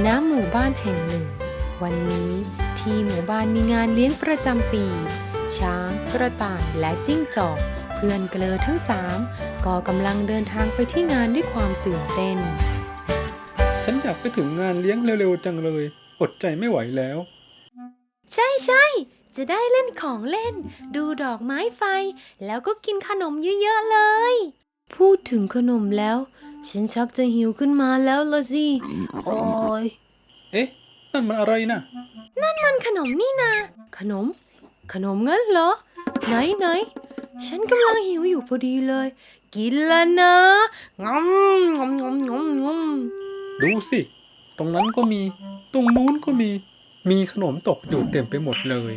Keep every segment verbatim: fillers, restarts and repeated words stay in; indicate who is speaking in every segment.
Speaker 1: ณหมู่บ้านแห่งหนึ่งวันนี้ที่หมู่บ้านมีงานเลี้ยงประจำปีช้างกระต่ายและจิ้งจอกเพื่อนเกลอทั้งสามก็กำลังเดินทางไปที่งานด้วยความตื่นเต้น
Speaker 2: ฉันอยากไปถึงงานเลี้ยงเร็วๆจังเลยอดใจไม่ไหวแล้ว
Speaker 1: ใช่ใช่จะได้เล่นของเล่นดูดอกไม้ไฟแล้วก็กินขนมเยอะๆเลยพูดถึงขนมแล้วฉันชักจะหิวขึ้นมาแล้วละสิโอ้ย
Speaker 2: เอ๊ะนั่นมันอะไรนะ
Speaker 1: นั่นมันขนมนี่นาขนมขนมงั้นเหรอไหนไหนฉันกำลังหิวอยู่พอดีเลยกินแล้วนะงอมงอมงอมงอมงอม
Speaker 2: ดูสิตรงนั้นก็มีตรงนู้นก็มีมีขนมตกอยู่เต็มไปหมดเลย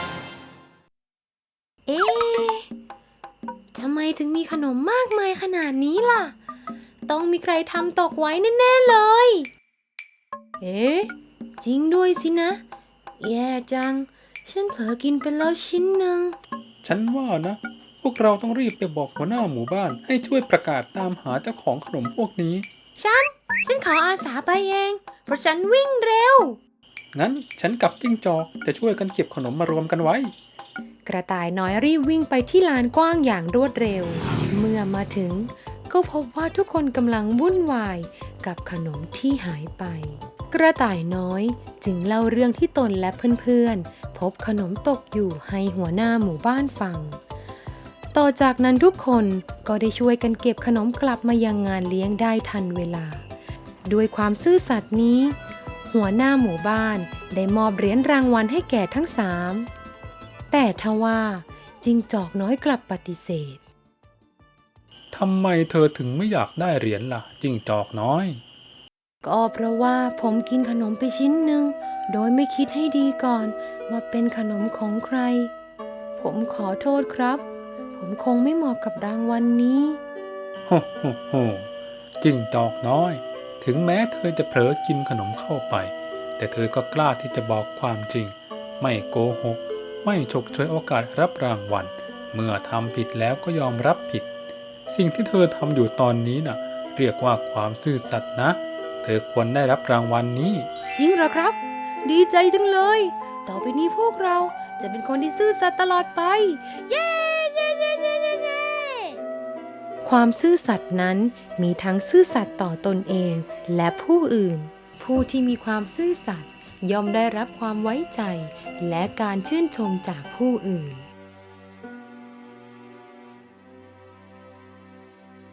Speaker 1: เอ๊ะทำไมถึงมีขนมมากมายขนาดนี้ล่ะต้องมีใครทำตกไว้แน่ๆเลยเอ๊ะจริงด้วยสินะแย่จังฉันเผลอกินไปแล้วชิ้นหนึ่ง
Speaker 2: ฉันว่านะพวกเราต้องรีบไปบอกหัวหน้าหมู่บ้านให้ช่วยประกาศตามหาเจ้าของขนมพวกนี้
Speaker 1: ฉันฉันขออาสาไปเองเพราะฉันวิ่งเร็ว
Speaker 2: งั้นฉันกับจิ้งจอกจะช่วยกันเก็บขนมมารวมกันไว้
Speaker 1: กระต่ายน้อยรีบวิ่งไปที่ลานกว้างอย่างรวดเร็วเมื่อมาถึงก็พบว่าทุกคนกำลังวุ่นวายกับขนมที่หายไปกระต่ายน้อยจึงเล่าเรื่องที่ตนและเพื่อนๆพบขนมตกอยู่ให้หัวหน้าหมู่บ้านฟังต่อจากนั้นทุกคนก็ได้ช่วยกันเก็บขนมกลับมายังงานเลี้ยงได้ทันเวลาด้วยความซื่อสัตย์นี้หัวหน้าหมู่บ้านได้มอบเหรียญรางวัลให้แก่ทั้งสามแต่ทว่าจิ้งจอกน้อยกลับปฏิเสธ
Speaker 2: ทำไมเธอถึงไม่อยากได้เหรียญล่ะจิ้งจอกน้อย
Speaker 1: ก็เพราะว่าผมกินขนมไปชิ้นหนึ่งโดยไม่คิดให้ดีก่อนว่าเป็นขนมของใครผมขอโทษครับผมคงไม่เหมาะกับรางวัล นนี้
Speaker 2: โฮโฮโฮจิ้งจอกน้อยถึงแม้เธอจะเผลอกินขนมเข้าไปแต่เธอก็กล้าที่จะบอกความจริงไม่โกหกไม่ฉกฉวยโอกาสรับรางวัลเมื่อทำผิดแล้วก็ยอมรับผิดสิ่งที่เธอทำอยู่ตอนนี้น่ะเรียกว่าความซื่อสัตย์นะเธอควรได้รับรางวัล นนี้
Speaker 1: จริงเหรอครับดีใจจังเลยต่อไปนี้พวกเราจะเป็นคนที่ซื่อสัตย์ตลอดไปเย้เย้เย้เย้เย้เย้ความซื่อสัตย์นั้นมีทั้งซื่อสัตย์ต่อตนเองและผู้อื่นผู้ที่มีความซื่อสัตย์ย่อมได้รับความไว้ใจและการชื่นชมจากผู้อื่น